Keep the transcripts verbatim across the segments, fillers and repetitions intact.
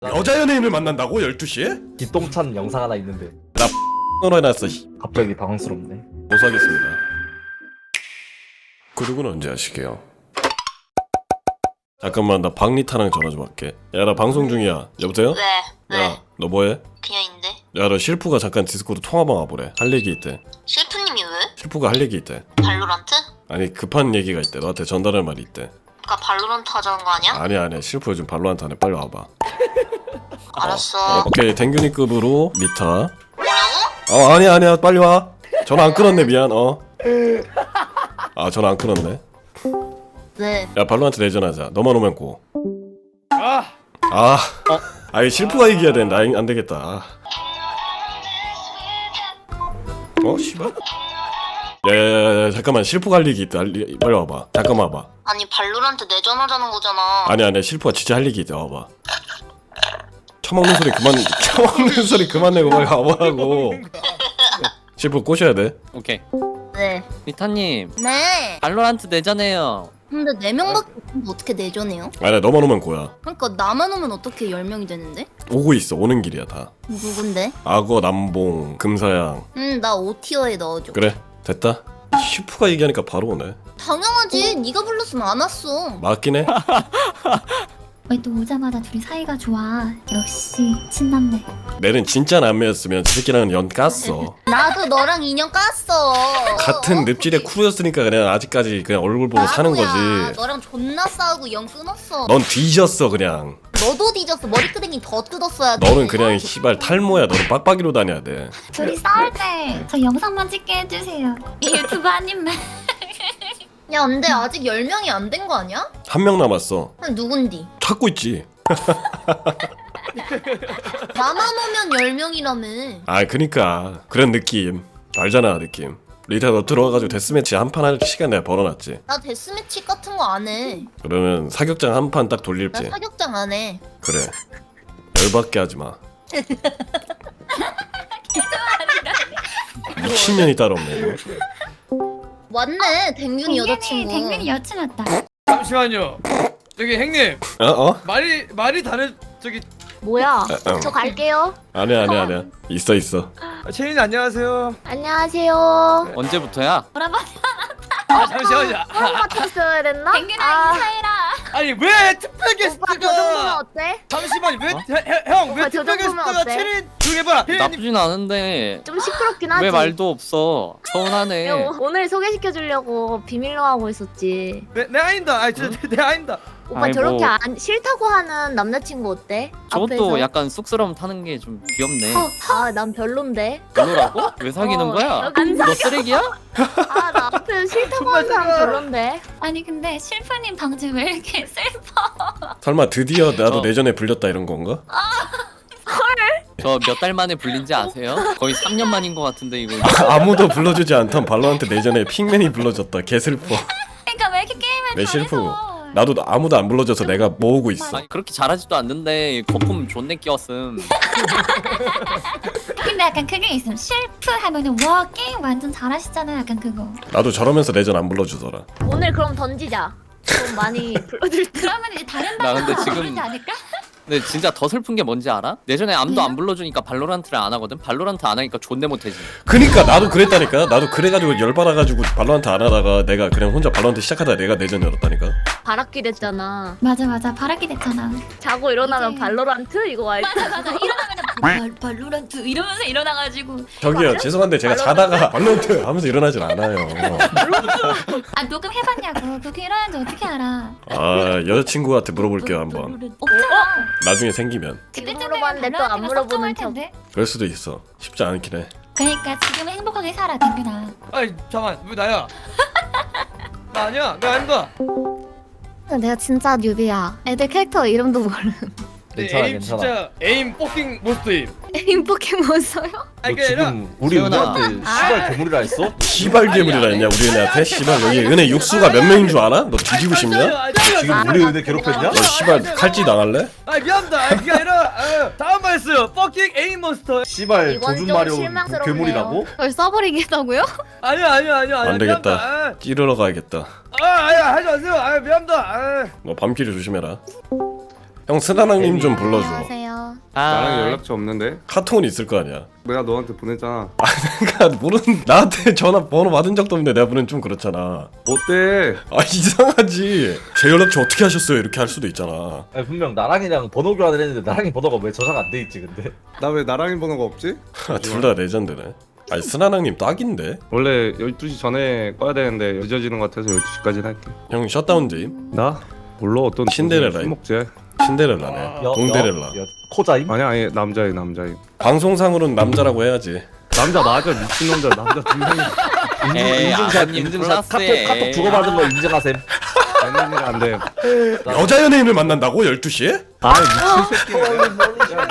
여자 연예인을 만난다고? 열두 시에? 기똥찬 영상 하나 있는데 나 X로 해놨어. 갑자기 당황스럽네. 고소하겠습니다. 구독은 언제 하시게요? 잠깐만, 나 박리타랑 전화 좀 할게. 야, 나 방송 중이야. 여보세요? 왜? 왜? 야, 너 뭐해? 그냥 있는데? 야, 너 실프가 잠깐 디스코드 통화방 와보래. 할 얘기 있대. 실프님이 왜? 실프가 할 얘기 있대. 발로란트? 아니, 급한 얘기가 있대. 너한테 전달할 말이 있대. 그니까 발로란트 하자는 거 아니야? 아니야, 아니야. 실프 요즘 발로한테 하네. 빨리 와봐. 알았어. 어, 오케이, 댕균이급으로 리타. 뭐라고? 어, 아니야, 아니야. 빨리 와. 전화 안 끊었네. 미안. 어. 아, 전화 안 끊었네. 왜? 야, 발로한테 내전하자. 너만 오면 고. 아! 아, 어? 아이 실프가 이겨야 된다. 아이, 안 되겠다. 아. 어, 씨발. 야야야, 잠깐만. 실프가 할 얘기 있다. 할 얘기- 빨리 와봐. 잠깐만 와봐. 아니 발로란트 내전하자는 거잖아. 아니야, 아니야. 실프가 진짜 할 얘기 있다. 와봐. 처먹는 소리 그만. 처먹는 소리 그만 내고 빨리 와보라고. 실프 꼬셔야 돼. 오케이. 네. 리타님, 네. 발로란트 내전해요. 근데 네 명밖에 없는데 어떻게 내전해요? 아니야, 너만 오면 고야. 그러니까 나만 오면 어떻게 열 명이 되는데? 오고 있어. 오는 길이야 다. 누군데? 악어, 남봉, 금사양. 응, 나 오 티어에 넣어줘. 그래, 됐다. 실프가 얘기하니까 바로 오네. 당연하지. 네가 불렀으면 안 왔어. 맞긴 해. 왜 또 오자마자 둘이 사이가 좋아. 역시 친남매. 내는 진짜 남매였으면 저 새끼랑은 연 깠어. 나도 너랑 인연 깠어. 같은 늪질의 크루였으니까 그냥 아직까지 그냥 얼굴 보고 사는 나도야. 거지. 너랑 존나 싸우고 연 끊었어. 넌 뒤졌어 그냥. 너도 뒤졌어. 머리끄댕이 더 뜯었어야 돼. 너는 그냥 시발 탈모야. 너는 빡빡이로 다녀야 돼. 둘이 싸울 때 저 영상만 찍게 해주세요. 유튜브 한 입만. 야, 근데 아직 열 명이 안 된 거 아니야? 한 명 남았어. 그럼 누군디? 찾고 있지. 나만 오면 열 명이라며. 아, 그니까 그런 느낌 알잖아. 느낌. 리타 너 들어와가지고 데스매치 한 판 할 시간 내가 벌어놨지. 나 데스매치 같은 거 안 해. 그러면 사격장 한 판 딱 나 돌릴지. 사격장 안 해. 그래, 열받게 하지마. 미친년이 따로 없네 이거. 왔네. 댕균이 여자친구. 댕균이 여친 왔다. 잠시만요. 저기 형님, 어? 어? 말이 말이 다른 저기 뭐야? 아, 어. 저 갈게요. 아니야 아니야 아니야. 있어 있어. 채인 안녕하세요. 안녕하세요. 언제부터야? 뭐라봐? 아 잠시만요. 맡았어야 됐나? 댕균이랑 인사해라. 아니 왜 특별 게스트가? 어때? 잠시만 왜 어? 형왜 오빠, 저 특별 정도면 게스트가 어때? 채인 조용해봐. 나쁘진 않은데 좀 시끄럽긴 하지. 왜 말도 없어? 서운하네. 야, 오늘 소개시켜 주려고 비밀로 하고 있었지. 내, 내 아닌다. 아니 저내 아닌다. 오빠 아이, 저렇게 뭐. 안 싫다고 하는 남자친구 어때? 저것도 앞에서? 약간 쑥스러움 타는 게 좀 귀엽네. 아, 난 별론데. 별로라고? 왜 사귀는 어, 거야? 안 너 쓰레기야? 아, 나 앞에서 싫다고 정말 하는 사람 싫어. 별론데. 아니 근데 실프님 방금 왜 이렇게 슬퍼? 설마 드디어 나도 어. 내전에 불렸다 이런 건가? 저 몇 달 만에 불린지 아세요? 거의 삼 년 만인 것 같은데 이거. 아무도 불러주지 않던 발로한테 내전에 핑맨이 불러줬다. 개슬퍼. 그러니까 왜 이렇게 게임을 내 실프. 잘해서? 나도 아무도 안 불러줘서 내가 모으고 있어. 아니, 그렇게 잘하지도 않는데 거품 존내 끼웠음. 근데 약간 그게 있음. 실프 하면은 와 게임 완전 잘하시잖아요. 약간 그거. 나도 저러면서 내전 안 불러주더라. 오늘 그럼 던지자. 좀 많이 불러줄 때. 그러면 이제 다른 나 방송 근데 지금- 부르지 않을까? 근데 진짜 더 슬픈 게 뭔지 알아? 내전에 아무도 안 불러주니까 발로란트를 안 하거든. 발로란트 안 하니까 존내 못해지. 그니까 나도 그랬다니까. 나도 그래가지고 열받아가지고 발로한테 안 하다가 내가 그냥 혼자 발로한테 시작하다 내가 내전 열었다니까. 바람기 됐잖아. 맞아 맞아 바라기 됐잖아. 자고 일어나면 이제- 발로란트 이거 알지? 맞아 맞아 일어나면 발 발로란트 이러면서 일어나가지고 저기요, 죄송한데 제가 자다가 발로한테 하면서 일어나질 않아요. 아 녹음 해봤냐고. 그렇게 일어나는지 어떻게 알아? 아, 여자친구한테 물어볼게요 한번. 없잖아. 나중에 생기면. 그때쯤 되면 물어봤는데 또안 발로란트가 물어보는 섭섭할 텐데. 그럴 수도 있어. 쉽지 않긴 해. 그러니까 지금 행복하게 살아 댕균아. 아니 잠만 왜 나야? 나 아니야. 나 아니다. 내가 진짜 뉴비야. 애들 캐릭터 이름도 모르는. 내 괜찮아, 에임 괜찮아. 진짜 에임 뽀킹 모스트임. 에임 포켓몬 써요? 아니 너 그게 아니라 지금 우리 세훈아. 은혜한테 시발 괴물이라 했어? 시발 괴물이라 했냐 우리 은혜한테? 시발 여기 은혜 육수가 몇 명인 줄 알아? 너 뒤지고 싶냐? 지금 우리 은혜 괴롭혔냐? 너 시발 칼찌 당할래? 아 미안합니다. 아, 그게 아니라 아, 다음 말 했어요. 뽀킹 에임 몬스터. 시발 이건 조준 좀 마려운 실망스럽네요. 괴물이라고? 걸 써버리겠다고요? 아니요 아니요 아니요 아니요. 안 되겠다. 미안합니다. 찌르러 가야겠다. 아, 아 아니 하지 마세요. 아 미안합니다. 아. 너 밤길을 조심해라. 형 스나랑님 좀 불러줘. 안녕하세요. 나랑 아, 연락처 없는데? 카톡은 있을 거 아니야. 내가 너한테 보냈잖아. 그러니까 모르는 나한테 전화 번호 받은 적도 없는데 내가 보낸 좀 그렇잖아. 어때? 아 이상하지. 제 연락처 어떻게 하셨어요? 이렇게 할 수도 있잖아. 아니, 분명 나랑이랑 번호 교환을 했는데 나랑이 번호가 왜 저장 안 돼 있지 근데? 나 왜 나랑이 번호가 없지? 둘 다 레전드네. 아니 스나랑님 딱인데. 원래 열두 시 전에 꺼야 되는데 늦어지는 것 같아서 열두 시까지는 할게. 형 셧다운제임. 나? 몰라 어떤 신데렐라임. 술 먹지? 신데렐라네. 여- 동데렐라. 여- 여- 코자임? 아니 아니 남자애 남자애. 방송상으로는 남자라고 해야지. 남자 맞아 미친놈들 남자 두 명이 에이, 인증샷 아버님 인증샷 카톡 플러스에. 카톡 주고받은 거 인증하셈. 되는 일 안 돼. 여자 연예인을 만난다고? 열두 시에? 아 미친 새끼야.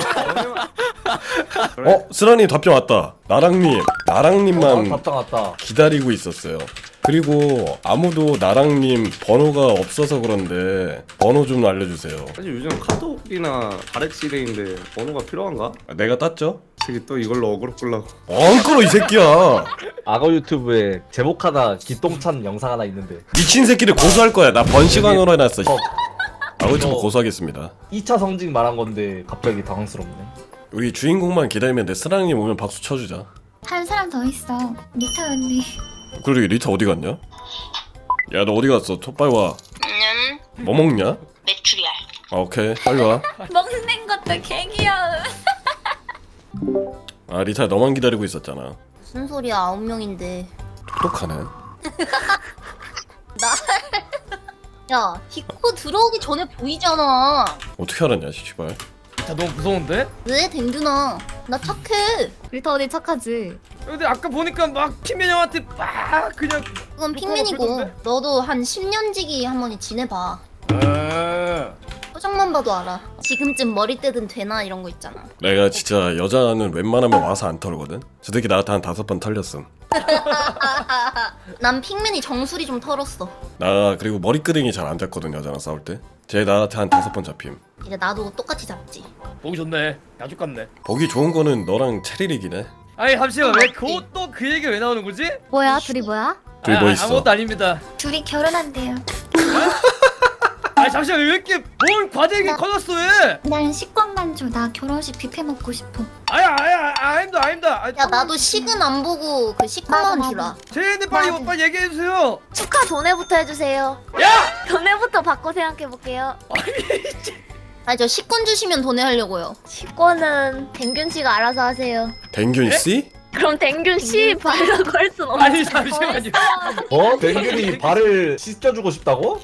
어? 스라님 답장 왔다. 나랑님. 어, 나랑님만 답장 왔다. 기다리고 있었어요. 그리고 아무도 나랑님 번호가 없어서 그런데 번호 좀 알려주세요. 사실 요즘 카톡이나 바렉시대인데 번호가 필요한가? 내가 땄죠? 새끼 또 이걸로 어그로 끌라고. 안 끌어 이 새끼야. 악어 유튜브에 제목 하나 기똥찬 영상 하나 있는데 미친 새끼를 고소할 거야. 나 번시광으로 해놨어. 어, 아우 좀 이거- 고소하겠습니다. 이 차 성징 말한 건데 갑자기 당황스럽네. 우리 주인공만 기다리면 돼. 스랑님 오면 박수 쳐주자. 한 사람 더 있어. 리타 언니. 그리고 리타 어디 갔냐? 야 너 어디 갔어? 톡 빨리 와. 음, 뭐 먹냐? 메추리알. 아 오케이 빨리 와. 먹는 것도 개 귀여워. 아 리타 너만 기다리고 있었잖아. 무슨 소리야? 아홉 명인데. 똑똑하네. 야, 디코 들어오기 전에 보이잖아. 어떻게 알았냐 씨발. 야 너무 무서운데? 왜 댕준아? 나 착해. 리터 언니 착하지? 근데 아까 보니까 막 핑맨 형한테 막 그냥. 그건 그거 핑맨이고 그러던데? 너도 한 십 년 지기 한 번이 지내봐. 에. 표정만 봐도 알아. 지금쯤 머리 뜨든 되나 이런 거 있잖아. 내가 진짜 여자는 웬만하면 와서 안 털거든. 저 새끼 나한테 한 다섯 번 털렸음. 난 핑맨이 정수리 좀 털었어. 나 그리고 머리끄댕이 잘 안 잡거든 여자랑 싸울 때. 쟤 나한테 한 다섯 번 잡힘. 이제 나도 똑같이 잡지. 보기 좋네. 야죽 같네. 보기 좋은 거는 너랑 체리릭이네. 아니 잠시만 왜 그것도 그 얘기 왜 나오는 거지? 뭐야? 둘이 뭐야? 둘이 뭐 있어? 아무것도 아닙니다. 둘이 결혼한대요. 아니 잠시만 왜 이렇게 뭘 과대하게 커졌어 왜? 난 식권만 줘. 나 결혼식 뷔페 먹고 싶어. 아야 아야 아닙니다 아닙니다. 아니, 야 나도 식은 안 보고 그 식구만 맞아, 주라. 제이님 빨리 맞아. 빨리 얘기해 주세요. 축하 전에부터 해주세요. 야! 전에부터 바꿔 생각해볼게요. 아니 저 식권 주시면 돈에 하려고요. 식권은 댕균 씨가 알아서 하세요. 댕균 씨? 그럼 댕균 씨 발라고 할 순 없는. 아니 잠시만요. 어? 댕균이 발을 씻겨주고 싶다고?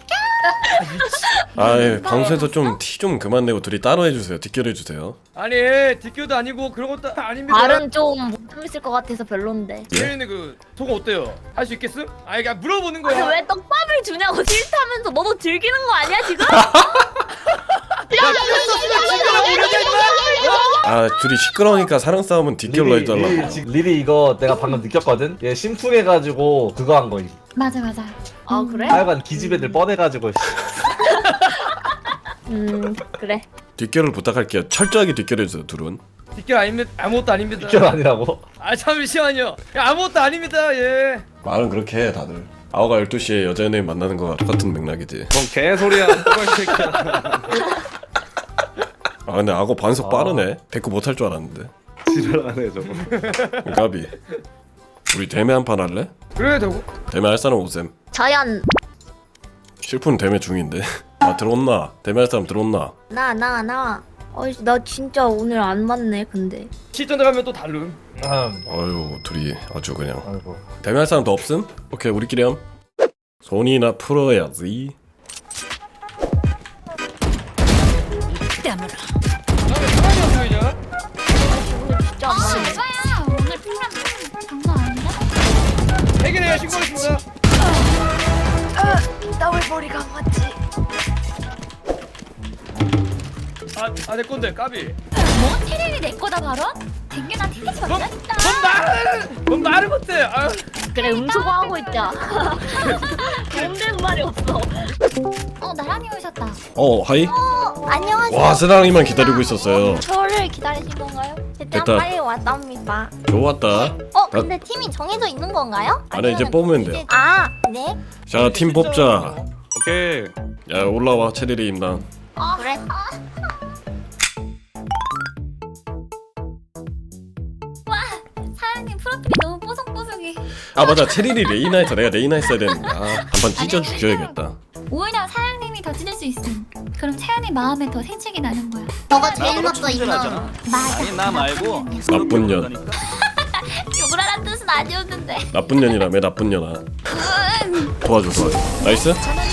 아이 방송에서 좀 티 좀 그만 내고 둘이 따로 해주세요. 뒷결 해주세요. 아니 뒷교도 아니고 그런 것도 아닙니다. 발은 좀못 재밌을 것 같아서 별론데. 제이님 그 속은 어때요? 할 수 있겠음? 아니 그냥 물어보는 아니 거야. 왜 떡밥을 주냐고 싫다면서 너도 즐기는 거 아니야 지금? 아 둘이 시끄러우니까 사랑 싸움은 뒷결로 리리, 해달라고. 리리, 지- 리리 이거 내가 방금 느꼈거든? 얘 심쿵해가지고 그거 한 거임. 맞아 맞아. 아 그래? 하여간 기집애들 뻔해가지고 음 그래. 뒷결을 부탁할게요. 철저하게 뒷결 해주세요 둘은. 뒷교 아닙니다. 아무것도 아닙니다. 뒷결 아니라고. 아 잠시만요. 야, 아무것도 아닙니다. 예. 말은 그렇게 해 다들. 아오가 열두 시에 여자 연예인 만나는 거가 똑같은 맥락이지. 뭔 개소리야. 또발 새끼야. 아 근데 악어 반속 아. 빠르네. 데리고 못할 줄 알았는데. 지랄하네 저거. 까비. 우리 대매 한 판 할래? 그래 되고. 대매 할 사람 오셈. 자연 실픈 대매 중인데. 아 들어온나? 대매 할 사람 들어온나? 나 나 나. 어이 나 진짜 오늘 안 맞네 근데. 실전 들어가면 또 다름. 음. 어휴 둘이 아주 그냥. 아이고. 대매 할 사람 더 없음? 오케이 우리끼리 함. 손이나 풀어야지. 다음에 사람이 없어이냐? 진짜 아 안 맞네. 에바야. 오늘 프로그램 장난 아닌데? 해결해야 신고했습니다. 나왜 머리가 안 맞지? 아, 아 내 건데 까비. 뭐 테레비 내 거다 바로? 댕균아 티켓 뭔, 받았다. 뭔 말을, 뭔 말을 못해. 아, 그래 음소거 하고 있자. 도움되는 말이 없어. 어 나란히 오셨다. 어 하이. 안녕하세요. 와 스랑이만 기다리고 있었어요. 저를 기다리신 건가요? 됐다. 일단 빨리 왔답니다. 좋았다. 어 근데 팀이 정해져 있는 건가요? 아니 이제 뽑으면 돼요. 아 네. 자 팀 뽑자. 오케이. 야 올라와 체리리 임당. 아, 그래? 사장님 프로필이 너무 뽀송뽀송해. 아 맞아 체리리 레이나 해서 내가 레이나 했어야 되는데 아 한번 찢어 죽여야겠다. 오히려 사장님이 더 찢을 수 있음. 그럼 채연이 마음에 더 생색이 나는 거야. 너가 제일 나빠 임나. 맞아. 아니 나 말고 나쁜 년 욕을 하란 뜻은 아니었는데. 나쁜 년이라며 나쁜 년아. 도와줘 도와줘. 나이스.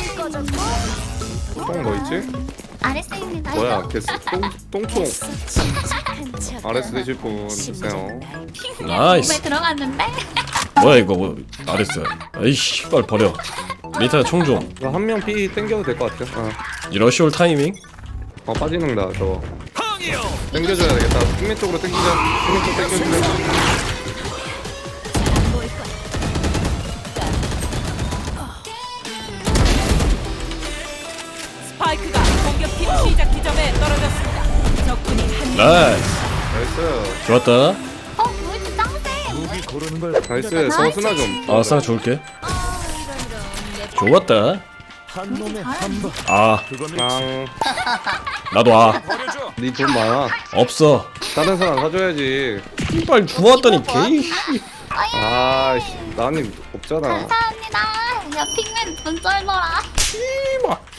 똥뭐 있지? 아랫세입니다. 뭐야 개스 똥 똥총. 아레스 되실 분 주세요. 나이스. 몸에 들어갔는데. 뭐야 이거 뭐 알았어. 아이씨 빨리 버려. 리타 총 좀. 한 명 피 땡겨도 될 것 같아. 어. 이 러시올 타이밍. 어 빠지는다 저거. 땡겨줘야 되겠다. 승리 쪽으로 땡기자. 승리 쪽 땡겨주자. 스파이크가 공격팀 시작 지점에 떨어졌습니다. 적군이 한 명. 나이스. 나이스. 좋았다. 어, 뭐지 짱세. 나이스. 저 스나 좀. 아 싸 좋을게. 좋았다. 아 랑. 나도 아 니돈 많아. 없어. 다른 사람 사줘야지. 빨리 주웠더니 개이. 아씨 나는 없잖아. 감사합니다. 야 핑맨 돈 쩔더라. 씨발.